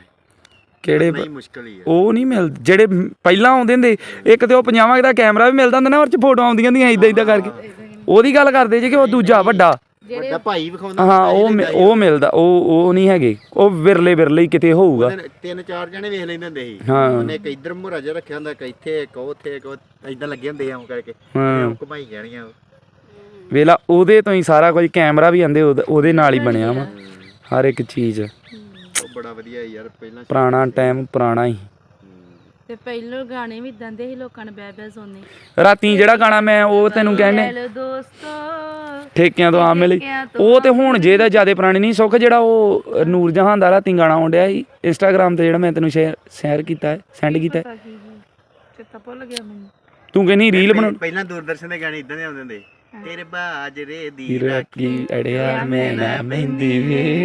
ਕਿਹੜੇ ਨਹੀਂ ਮੁਸ਼ਕਲ ਹੀ ਹੈ ਉਹ ਨਹੀਂ ਮਿਲ ਜਿਹੜੇ ਪਹਿਲਾਂ ਆਉਂਦੇ ਹੁੰਦੇ ਇੱਕ ਤੇ ਉਹ 50 ਦਾ ਕੈਮਰਾ ਵੀ ਮਿਲਦਾ ਹੁੰਦਾ ਨਾ ਉਹ ਚ ਫੋਟੋ ਆਉਂਦੀਆਂ ਹੁੰਦੀਆਂ ਇਦਾਂ ਕਰਕੇ ਉਹਦੀ ਗੱਲ ਕਰਦੇ ਜੇ ਕਿ ਉਹ ਦੂਜਾ ਵੱਡਾ ਭਾਈ ਵਿਖਾਉਂਦਾ ਹਾਂ ਉਹ ਮਿਲਦਾ ਉਹ ਨਹੀਂ ਹੈਗੇ ਉਹ ਵਿਰਲੇ ਹੀ ਕਿਤੇ ਹੋਊਗਾ 3-4 ਜਣੇ ਵੇਖ ਲੈਂਦੇ ਹੁੰਦੇ ਸੀ ਹਾਂ ਉਹਨੇ ਇੱਕ ਇੱਧਰ ਮੁਹਰਾ ਜਿਹਾ ਰੱਖਿਆ ਹੁੰਦਾ ਇੱਕ ਇੱਥੇ ਇੱਕ ਉੱਥੇ ਇੱਕ ਇਦਾਂ ਲੱਗੇ ਹੁੰਦੇ ਆ ਉਹ ਕਰਕੇ ਉਹ ਘੁਮਾਈ ਜਾਣੀਆਂ ਵੇਲਾ ਉਹਦੇ ਤੋਂ ਹੀ ਸਾਰਾ ਕੁਝ ਕੈਮਰਾ ਵੀ ਆਂਦੇ ਉਹਦੇ ਨਾਲ ਹੀ ਬਣਿਆ ਵਾ ਹਰ ਇੱਕ ਚੀਜ਼ ਉਹ ਬੜਾ ਵਧੀਆ ਯਾਰ ਪਹਿਲਾਂ ਪੁਰਾਣਾ ਟਾਈਮ ਪੁਰਾਣਾ ਹੀ ਤੇ ਪਹਿਲੋਂ ਗਾਣੇ ਵੀ ਇਦਾਂ ਦੇ ਸੀ ਲੋਕਾਂ ਨੇ ਬੈ ਸੁਣਨੇ ਰਾਤੀ ਜਿਹੜਾ ਗਾਣਾ ਮੈਂ ਉਹ ਤੈਨੂੰ ਕਹਿੰਦੇ ਹੈਲੋ ਦੋਸਤੋ ਠੇਕਿਆਂ ਤੋਂ ਆ ਮਿਲੇ ਉਹ ਤੇ ਹੁਣ ਜੇ ਦਾ ਜਿਆਦਾ ਪੁਰਾਣੀ ਨਹੀਂ ਸੁੱਖ ਜਿਹੜਾ ਉਹ ਨੂਰ ਜਹਾਨ ਦਾ ਰਾਤੀ ਗਾਣਾ ਆਉਂਦਿਆ ਸੀ ਇੰਸਟਾਗ੍ਰਾਮ ਤੇ ਜਿਹੜਾ ਮੈਂ ਤੈਨੂੰ ਸ਼ੇਅਰ ਕੀਤਾ ਹੈ ਸੈਂਡ ਕੀਤਾ ਹੈ ਚੇਤਾ ਭੁੱਲ ਗਿਆ ਮੈਨੂੰ ਤੂੰ ਕਹਿੰਦੀ ਰੀਲ ਬਣਾ ਪਹਿਲਾਂ ਦੂਰਦਰਸ਼ਨ ਦੇ ਗਾਣੇ ਇਦਾਂ ਦੇ ਆਉਂਦੇ ਹੁੰਦੇ ਤੇਰੇ ਬਾਜਰੇ ਦੀ ਰਾਖੀ ਅੜਿਆ ਮੈਂ ਨਾ ਮਹਿੰਦੀ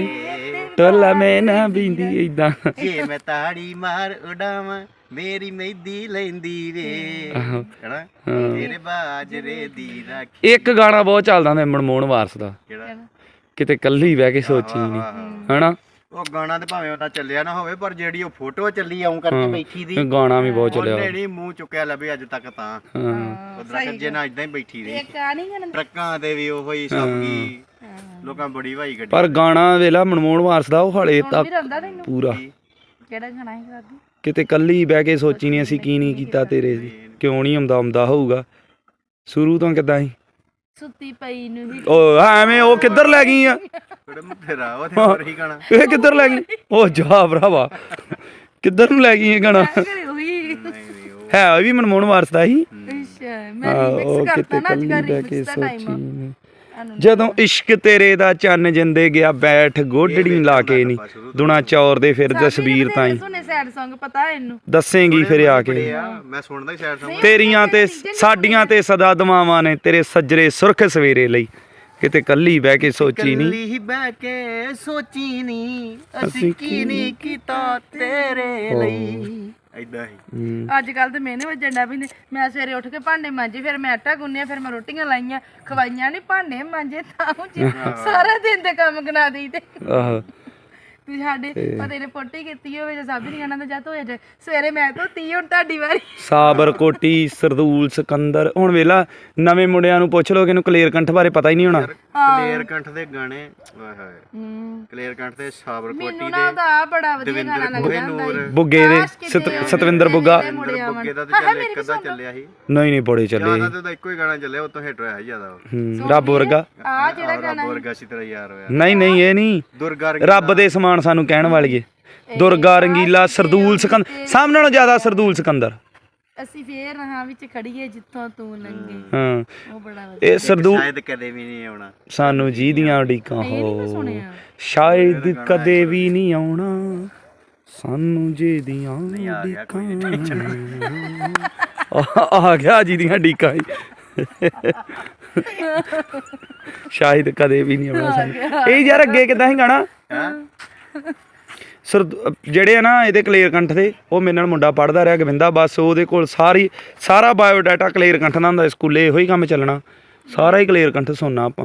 ਵੇ ਟੋਲਾ ਮੈਂ ਨਾ ਬਿੰਦੀ ਇਦਾਂ ਜੇ ਮੈਂ ਤਾੜੀ ਮਾਰ ਉਡਾਵਾਂ ਮੇਰੀ ਮਹਿੰਦੀ ਲੈਂਦੀ ਵੇ ਹੈਨਾ ਤੇਰੇ ਬਾਜਰੇ ਦੀ ਰਾਖੀ ਇੱਕ ਗਾਣਾ ਬਹੁਤ ਚੱਲਦਾ ਹੁੰਦਾ ਮਨਮੋਹਨ ਵਾਰਸ ਦਾ ਕਿਹੜਾ ਕਿਤੇ ਕੱਲੀ ਬਹਿ ਕੇ ਸੋਚੀ ਨਹੀਂ ਹਨਾ ਉਹ ਗਾਣਾ ਤੇ ਭਾਵੇਂ ਉਹਦਾ ਚੱਲਿਆ ਨਾ ਹੋਵੇ ਪਰ ਜਿਹੜੀ ਉਹ ਫੋਟੋ ਚੱਲੀ ਆਉਂ ਕਰਕੇ ਬੈਠੀ ਦੀ ਗਾਣਾ ਵੀ ਬਹੁਤ ਚੱਲਿਆ ਉਹਨੇ ਨਹੀਂ ਮੂੰਹ ਚੁੱਕਿਆ ਲੱਭੇ ਅੱਜ ਤੱਕ ਤਾਂ ਉਧਰ ਕੱਜੇ ਨਾਲ ਇਦਾਂ ਹੀ ਬੈਠੀ ਰਹੀ ਇੱਕ ਆ ਨਹੀਂ ਗਾਣਾ ਟਰੱਕਾਂ ਤੇ ਵੀ ਉਹੋ ਹੀ ਸਭ ਕੀ ਲੋਕਾਂ ਬੜੀ ਵਾਈ ਗੱਡੀ ਪਰ ਗਾਣਾ ਵੇਲਾ ਮਨਮੋਹਨ ਵਾਰਸ ਦਾ ਉਹ ਹਲੇ ਤੱਕ ਵੀ ਰਹਿੰਦਾ ਤੈਨੂੰ ਪੂਰਾ ਕਿਹੜਾ ਗਾਣਾ ਹੈ ਕਰਦੀ ਕਿਤੇ ਕੱਲੀ ਬਹਿ ਕੇ ਸੋਚੀ ਨਹੀਂ ਅਸੀਂ ਕੀ ਨਹੀਂ ਕੀਤਾ ਤੇਰੇ ਕਿਉਂ ਨਹੀਂ ਆਉਂਦਾ ਹੋਊਗਾ ਸ਼ੁਰੂ ਤੋਂ ਕਿੱਦਾਂ ਸੀ ਸੁੱਤੀ ਪਈ ਨੂੰ ਹੀ ਉਹ ਐਵੇਂ ਉਹ ਕਿੱਧਰ ਲੈ ਗਈ ਆ ਤੇਰਾ ਉਹ ਤੇ ਹੋਰ ਹੀ ਗਾਣਾ ਇਹ ਕਿੱਧਰ ਲੈ ਗਈ ਉਹ ਜਾ ਭਰਾਵਾ ਕਿੱਧਰ ਨੂੰ ਲੈ ਗਈ ਇਹ ਗਾਣਾ ਘਰੇ ਹੋਈ ਹੈ ਉਹ ਵੀ ਮਨਮੋਹਨ ਵਾਰਸ ਦਾ ਹੀ ਅੱਛਾ ਮੈਂ ਮਿਕਸ ਕਰਤਾ ਨਾ ਅੱਜ ਕੱਲ੍ਹ remix ਦਾ ਟਾਈਮ ਜਦੋਂ ਇਸ਼ਕ ਤੇਰੇ ਦਾ ਚੰਨ ਜਿੰਦੇ ਗਿਆ ਬੈਠ ਗੋਡੜੀ ਲਾ ਕੇ ਨਹੀਂ ਦੁਨਾ ਚੌਰ ਦੇ ਫਿਰ ਜਸਬੀਰ ਤਾਈ ਸੁਣੇ ਸੈਡ Song ਪਤਾ ਇਹਨੂੰ ਦੱਸੇਂਗੀ ਫਿਰ ਆ ਕੇ ਮੈਂ ਸੁਣਦਾ ਹੀ ਸਾਈਡ ਤੋਂ ਤੇਰੀਆਂ ਤੇ ਸਾਡੀਆਂ ਤੇ ਸਦਾ ਦੁਆਵਾਂ ਨੇ ਤੇਰੇ ਸੱਜਰੇ ਸੁਰਖ ਸਵੇਰੇ ਲਈ ਕਿਤੇ ਕੱਲੀ ਬਹਿ ਕੇ ਸੋਚੀ ਨਹੀਂ ਕੱਲੀ ਬਹਿ ਕੇ ਸੋਚੀ ਨਹੀਂ ਅਸੀਂ ਕੀ ਨਹੀਂ ਕੀਤਾ ਤੇਰੇ ਲਈ ਇਦਾਂ ਹੀ ਅੱਜ ਕੱਲ ਤੇ ਮੈਨੇ ਵਜਣਾ ਵੀ ਨਹੀਂ ਮੈਂ ਸਵੇਰੇ ਉੱਠ ਕੇ ਭਾਂਡੇ ਮਾਂਜੇ ਫਿਰ ਮੈਂ ਆਟਾ ਗੁੰਨਿਆ ਫਿਰ ਮੈਂ ਰੋਟੀਆਂ ਲਾਈਆਂ ਖਵਾਈਆਂ ਨਹੀਂ ਭਾਂਡੇ ਮਾਂਜੇ ਤਾਂ ਸਾਰਾ ਦਿਨ ਦੇ ਕੰਮ ਗਨਾ ਦੇਈ ਤੇ ਆਹ ਤੂੰ ਸਾਡੇ ਪਤੇ ਨੇ ਪੋਟੀ ਕੀਤੀ ਹੋਵੇ ਜਾਂ ਸਾਬੀ ਨਹੀਂ ਗਾਣਾ ਤਾਂ ਜੱਤ ਹੋ ਜਾ ਸਵੇਰੇ ਮੈਂ ਧੋਤੀ ਹੁਣ ਤੁਹਾਡੀ ਵਾਰੀ ਸਾਬਰ ਕੋਟੀ ਸਰਦੂਲ ਸਿਕੰਦਰ ਹੁਣ ਵੇਲਾ ਨਵੇਂ ਮੁੰਡਿਆਂ ਨੂੰ ਪੁੱਛ ਲੋ ਕਿ ਇਹਨੂੰ ਕਲੇਰ ਕੰਠ ਬਾਰੇ ਪਤਾ ਹੀ ਨਹੀਂ ਹੋਣਾ ਕਲੇਰ ਕੰਠ ਦੇ ਗਾਣੇ ਆਏ ਹਾਏ ਕਲੇਰ ਕੰਠ ਤੇ ਸਾਬਰ ਕੋਟੀ ਮੈਨੂੰ ਨਾ ਦਾ ਬੜਾ ਵਧੀਆ ਗਾਣਾ ਲੱਗਦਾ ਹੁੰਦਾ ਬੁੱਗੇ ਦੇ ਸਤਵਿੰਦਰ ਬੁੱਗਾ ਬੁੱਗੇ ਦਾ ਤੇ ਚੱਲ ਇੱਕ ਅੱਧਾ ਚੱਲਿਆ ਸੀ ਨਹੀਂ ਬੜੇ ਚੱਲੇ ਜਿਆਦਾ ਤਾਂ ਇੱਕੋ ਹੀ ਗਾਣਾ ਚੱਲਿਆ ਉਹ ਤੋਂ ਹਿੱਟ ਹੋਇਆ ਜਿਆਦਾ ਰੱਬ ਵਰਗਾ ਆ ਜਿਹੜਾ ਗਾਣਾ ਵਰਗਾ ਸੀ ਤੇਰਾ ਯਾਰ ਹੋਇਆ ਨਹੀਂ ਇਹ ਨਹੀਂ ਦੁਰਗਾ ਰੱਬ ਦੇ ਸਮਾਨ ਸਾਨੂੰ ਕਹਿਣ ਵਾਲੀਏ ਦੁਰਗਾ ਰੰਗੀਲਾ ਸਰਦੂਲ ਸਿਕੰਦਰ ਸਭ ਨਾਲੋਂ ਜ਼ਿਆਦਾ ਸਰਦੂਲ ਸਿਕੰਦਰ ਅਸੀਂ ਫੇਰ ਰਹਾਂ ਵਿੱਚ ਖੜੀਏ ਜਿੱਥੋਂ ਤੂੰ ਲੰਘੇ ਹਾਂ ਉਹ ਬੜਾ ਵਧੀਆ ਇਹ ਸਰਦੂਲ ਸ਼ਾਇਦ ਕਦੇ ਵੀ ਨਹੀਂ ਆਉਣਾ ਸਾਨੂੰ ਜੀ ਦੀਆਂ ਉਡੀਕਾਂ ਹੋ ਸੁਣਿਆ ਸ਼ਾਇਦ ਕਦੇ ਵੀ ਨਹੀਂ ਆਉਣਾ ਸਾਨੂੰ ਜੀ ਦੀਆਂ ਉਡੀਕਾਂ ਆ ਗਿਆ ਜੀ ਦੀਆਂ ਉਡੀਕਾਂ ਸ਼ਾਇਦ ਕਦੇ ਵੀ ਨਹੀਂ ਆਉਣਾ ਸਾਨੂੰ ਇਹ ਯਾਰ ਅੱਗੇ ਕਿੱਦਾਂ ਸੀ ਗਾਣਾ ਜਿਹੜੇ ਆ ਨਾ ਇਹਦੇ ਕਲੇਰ ਕੰਠ ਦੇ ਉਹ ਮੇਰੇ ਨਾਲ ਮੁੰਡਾ ਪੜ੍ਹਦਾ ਰਿਹਾ ਗਵਿੰਦਾ ਬਸ ਉਹਦੇ ਕੋਲ ਸਾਰਾ ਬਾਇਓਡਾਟਾ ਕਲੇਰ ਕੰਠ ਦਾ ਹੁੰਦਾ ਸਕੂਲੇ ਇਹੋ ਹੀ ਕੰਮ ਚੱਲਣਾ ਸਾਰਾ ਹੀ ਕਲੇਰ ਕੰਠ ਸੁਣਨਾ ਆਪਾਂ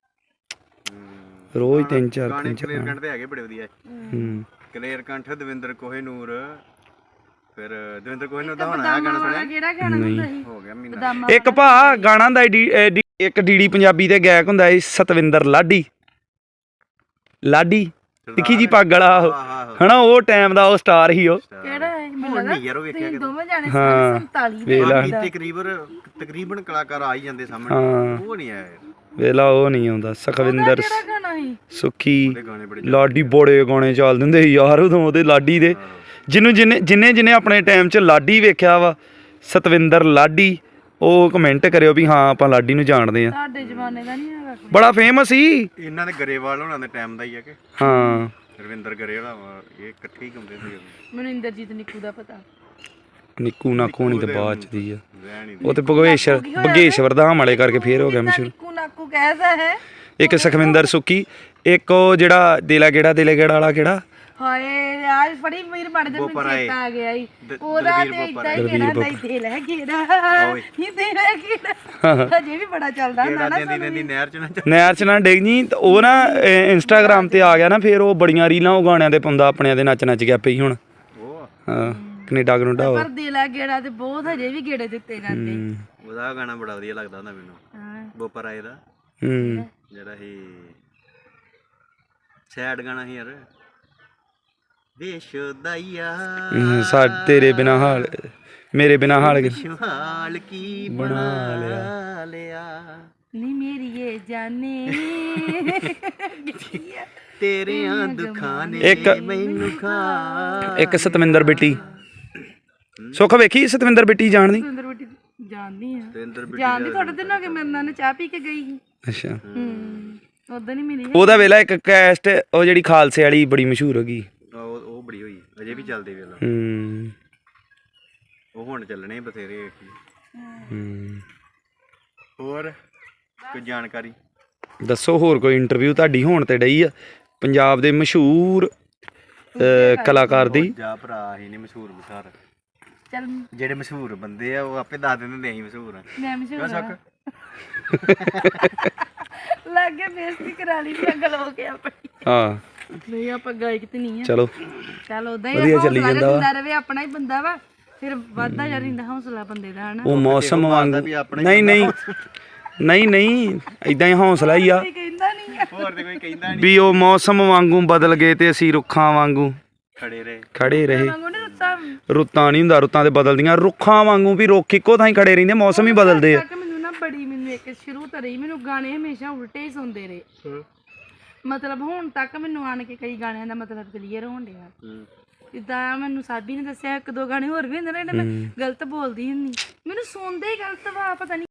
ਰੋਜ਼ 3-4 ਗਾਣੇ ਕਲੇਰ ਕੰਠ ਦੇ ਹੈਗੇ ਬੜੇ ਵਧੀਆ ਕਲੇਰ ਕੰਠ ਦਵਿੰਦਰ ਕੋਹੇਨੂਰ ਫਿਰ ਦਵਿੰਦਰ ਕੋਹੇਨੂਰ ਦਾ ਹੋਣਾ ਗਾਣਾ ਸੁਣਿਆ ਕਿਹੜਾ ਗਾਣਾ ਹੁੰਦਾ ਸੀ ਹੋ ਗਿਆ ਮਹੀਨਾ ਇੱਕ ਭਾ ਗਾਣਾ ਦਾ ਇੱਕ ਡੀਡੀ ਪੰਜਾਬੀ ਦੇ ਗਾਇਕ ਹੁੰਦਾ ਸੀ ਸਤਵਿੰਦਰ ਲਾਡੀ ਤਿੱਖੀ ਜੀ ਪੱਗ ਵਾਲਾ ਹਨਾ ਉਹ ਟਾਈਮ ਦਾ ਉਹ ਸਟਾਰ ਹੀ ਉਹ ਕਿਹੜਾ ਹੈ ਹੁਣ ਨਹੀਂ ਯਾਰ ਉਹ ਵੇਖਿਆ ਕਿ ਦੋਵੇਂ ਜਾਣੇ 47 ਦੇ ਤਕਰੀਬਨ ਕਲਾਕਾਰ ਆ ਹੀ ਜਾਂਦੇ ਸਾਹਮਣੇ ਉਹ ਨਹੀਂ ਆਇਆ ਵੇਲਾ ਉਹ ਨਹੀਂ ਆਉਂਦਾ ਸੁਖਵਿੰਦਰ ਕਿਹੜਾ ਗਾਣਾ ਸੀ ਸੁਖੀ ਲਾਡੀ ਬੜੇ ਗਾਣੇ ਚੱਲ ਦਿੰਦੇ ਸੀ ਯਾਰ ਉਦੋਂ ਉਹਦੇ ਲਾਡੀ ਦੇ ਜਿਹਨੇ ਆਪਣੇ ਟਾਈਮ 'ਚ ਲਾਡੀ ਵੇਖਿਆ ਵਾ ਸਤਵਿੰਦਰ ਲਾਡੀ ਉਹ ਕਮੈਂਟ ਕਰਿਓ ਵੀ ਹਾਂ ਆਪਾਂ ਲਾਡੀ ਨੂੰ ਜਾਣਦੇ ਆ ਸਾਡੇ ਜ਼ਮਾਨੇ ਦਾ ਨਹੀਂ ਹੈਗਾ ਬੜਾ ਫੇਮਸ ਸੀ ਇਹਨਾਂ ਦੇ ਗਰੇਵਾਲ ਹੋਣਾ ਦੇ ਟਾਈਮ ਦਾ ਹੀ ਆ ਕਿ ਹਾਂ ਰਵਿੰਦਰ ਗਰੇਵਾਲਾ ਇਹ ਇਕੱਠੇ ਹੀ ਗਾਉਂਦੇ ਸੀ ਮੈਨੂੰ ਇੰਦਰਜੀਤ ਨਿੱਕੂ ਦਾ ਪਤਾ। ਨਿੱਕੂ ਨਾਕੂ ਹੋਣੀ ਤੇ ਬਾਅਦ ਚ ਦੀ ਆ। ਰਹਿਣ ਹੀ ਉਹ ਤੇ ਭਗੇਸ਼ਵਰ ਧਾਮ ਵਾਲੇ ਕਰਕੇ ਫੇਰ ਹੋ ਗਿਆ ਮਸ਼ਹੂਰ। ਨਿੱਕੂ ਨਾਕੂ ਕਹਿਦਾ ਹੈ। ਇੱਕ ਸੁਖਵਿੰਦਰ ਸੁੱਕੀ, ਇੱਕ ਉਹ ਜਿਹੜਾ ਦਿਲਾ ਗੇੜਾ ਵਾਲਾ ਕਿਹੜਾ ਹਾਏ ਯਾਰ ਫੜੀ ਵੀਰ ਬਣ ਜਾ, ਮੈਨੂੰ ਚੇਤਾ ਆ ਗਿਆ ਈ ਉਹਦਾ ਤੇ ਇਦਾਂ ਹੀ ਕਿਹੜਾ ਦੇ ਲੈ ਗੇੜਾ ਇਹ ਦੇ ਲੈ ਗੇੜਾ ਹਜੇ ਵੀ ਬੜਾ ਚੱਲਦਾ ਹੁੰਦਾ ਨਾ। ਦਿੰਦੀ ਨਹਿਰ ਚ ਨਾ ਨਹਿਰ ਚ ਨਾ ਡਿੱਗ ਜੀ। ਉਹ ਨਾ ਇੰਸਟਾਗ੍ਰਾਮ ਤੇ ਆ ਗਿਆ ਨਾ, ਫੇਰ ਉਹ ਬੜੀਆਂ ਰੀਲਾਂ ਉਹ ਗਾਣਿਆਂ ਦੇ ਪਾਉਂਦਾ ਆਪਣਿਆਂ ਦੇ ਨੱਚ ਗਿਆ ਪਈ ਹੁਣ। ਉਹ ਹਾਂ ਕੈਨੇਡਾ ਕਨੂਡਾ ਪਰ ਦੇ ਲੈ ਗੇੜਾ ਤੇ ਬਹੁਤ ਹਜੇ ਵੀ ਗੇੜੇ ਦਿੱਤੇ ਜਾਂਦੇ। ਉਹਦਾ ਗਾਣਾ ਬੜਾ ਵਧੀਆ ਲੱਗਦਾ ਹੁੰਦਾ ਮੈਨੂੰ, ਹਾਂ ਬੋਪਰ ਆਏ ਦਾ ਜਿਹੜਾ ਹੀ ਸੈਡ ਗਾਣਾ ਸੀ ਯਾਰ, ਵੇਸ਼ਦਾਈਆ ਤੇਰੇ ਬਿਨਾ ਹਾਲ ਮੇਰੇ ਬਿਨਾ ਹਾਲ ਹਾਲ ਕੀ ਬਣਾ ਲਿਆ ਨੀ ਮੇਰੀ ਇਹ ਜਾਨੇ ਤੇਰਿਆਂ ਦੁੱਖਾਂ ਨੇ ਮੈਨੂੰ ਖਾ। ਇੱਕ ਸਤਵਿੰਦਰ ਬਿੱਟੀ ਸੁੱਖ ਵੇਖੀ ਸਤਵਿੰਦਰ ਬਿੱਟੀ ਜਾਣਦੀ? ਸੁੰਦਰ ਬੇਟੀ ਜਾਣਦੀ ਆ, ਜਾਣਦੀ ਥੋੜੇ ਦਿਨ ਹੋ ਗਏ ਮੇਰੇ ਨਾਲ ਚਾਹ ਪੀ ਕੇ ਗਈ ਸੀ। ਅੱਛਾ ਉਦੋਂ ਨਹੀਂ ਮਿਲੀ। ਉਹਦਾ ਵੇਲਾ ਇੱਕ ਕੈਸਟ ਉਹ ਜਿਹੜੀ ਖਾਲਸੇ ਵਾਲੀ ਬੜੀ ਮਸ਼ਹੂਰ ਹੋ ਗਈ। ਉਹ ਬੜੀ ਹੋਈ, ਅਜੇ ਵੀ ਚੱਲਦੇ ਵੇਲਾ। ਉਹ ਹੁਣ ਚੱਲਣੇ ਬਥੇਰੇ। ਹੋਰ ਕੋਈ ਜਾਣਕਾਰੀ ਦੱਸੋ? ਹੋਰ ਕੋਈ ਇੰਟਰਵਿਊ ਤੁਹਾਡੀ ਹੋਣ ਤੇ ਡਈ ਆ ਪੰਜਾਬ ਦੇ ਮਸ਼ਹੂਰ ਕਲਾਕਾਰ ਦੀ? ਜਾ ਭਰਾ ਹੀ ਨਹੀਂ ਮਸ਼ਹੂਰ ਮਸ਼ਾਰ, ਚੱਲ ਜਿਹੜੇ ਮਸ਼ਹੂਰ ਬੰਦੇ ਆ ਉਹ ਆਪੇ ਦੱਸ ਦਿੰਦੇ ਨੇ ਅਸੀਂ ਮਸ਼ਹੂਰ ਆ। ਮੈਂ ਮਸ਼ਹੂਰ ਆ ਲੱਗੇ ਬੇਇੱਜ਼ਤੀ ਕਰਾ ਲਈ ਪਾਗਲ ਹੋ ਗਿਆ ਆਪਣੀ। ਹਾਂ ਨਹੀਂ ਆਪਾਂ ਗਾਇਕ ਤੇ ਨਹੀਂ ਆ। ਚਲੋ ਚੱਲ ਉਦਾਂ ਹੀ ਵਧੀਆ ਚੱਲੀ ਜਾਂਦਾ ਵਾ। ਰਵੇ ਆਪਣਾ ਹੀ ਬੰਦਾ ਵਾ, ਫਿਰ ਵੱਧਦਾ ਜਾ ਰਹਿੰਦਾ ਹੌਸਲਾ ਬੰਦੇ ਦਾ ਹਨਾ। ਉਹ ਮੌਸਮ ਵਾਂਗੂ ਨਹੀਂ ਇਦਾਂ ਹੀ ਹੌਸਲਾ ਹੀ ਆ। ਕਹਿੰਦਾ ਨਹੀਂ ਆ ਹੋਰ ਤੇ ਕੋਈ ਕਹਿੰਦਾ ਨਹੀਂ ਵੀ ਉਹ ਮੌਸਮ ਵਾਂਗੂ ਬਦਲ ਗਏ ਤੇ ਅਸੀਂ ਰੁੱਖਾਂ ਵਾਂਗੂ ਖੜੇ ਰਹੇ। ਵਾਂਗੂ ਨੀ ਰੁੱਤਾਂ ਰੁੱਤਾਂ ਨਹੀਂ ਹੁੰਦਾ, ਰੁੱਤਾਂ ਤੇ ਬਦਲਦੀਆਂ। ਰੁੱਖਾਂ ਵਾਂਗੂ ਵੀ ਰੁੱਖ ਇੱਕੋ ਥਾਂ ਹੀ ਖੜੇ ਰਹਿੰਦੇ, ਮੌਸਮ ਹੀ ਬਦਲਦੇ ਆ। ਮੈਨੂੰ ਨਾ ਮੈਨੂੰ ਇੱਕ ਸ਼ੁਰੂ ਤੋਂ ਰਹੀ ਮੈਨੂੰ ਗਾਣੇ ਹਮੇਸ਼ਾ ਉਲਟੇ ਹੀ ਸੁਣਦੇ ਰਹੇ। ਮਤਲਬ ਹੁਣ ਤੱਕ ਮੈਨੂੰ ਆਣ ਕੇ ਕਈ ਗਾਣਿਆਂ ਦਾ ਮਤਲਬ ਕਲੀਅਰ ਹੋਣ ਡਿਆ। ਜਿੱਦਾਂ ਮੈਨੂੰ ਸਾਬੀ ਨੇ ਦੱਸਿਆ ਇੱਕ ਦੋ ਗਾਣੇ ਹੋਰ ਵੀ ਹੁੰਦੇ ਨੇ ਜਿਹੜੇ ਮੈਂ ਗਲਤ ਬੋਲਦੀ ਹੁੰਦੀ, ਮੈਨੂੰ ਸੁਣਦੇ ਹੀ ਗਲਤ ਵਾ ਪਤਾ ਨਹੀਂ।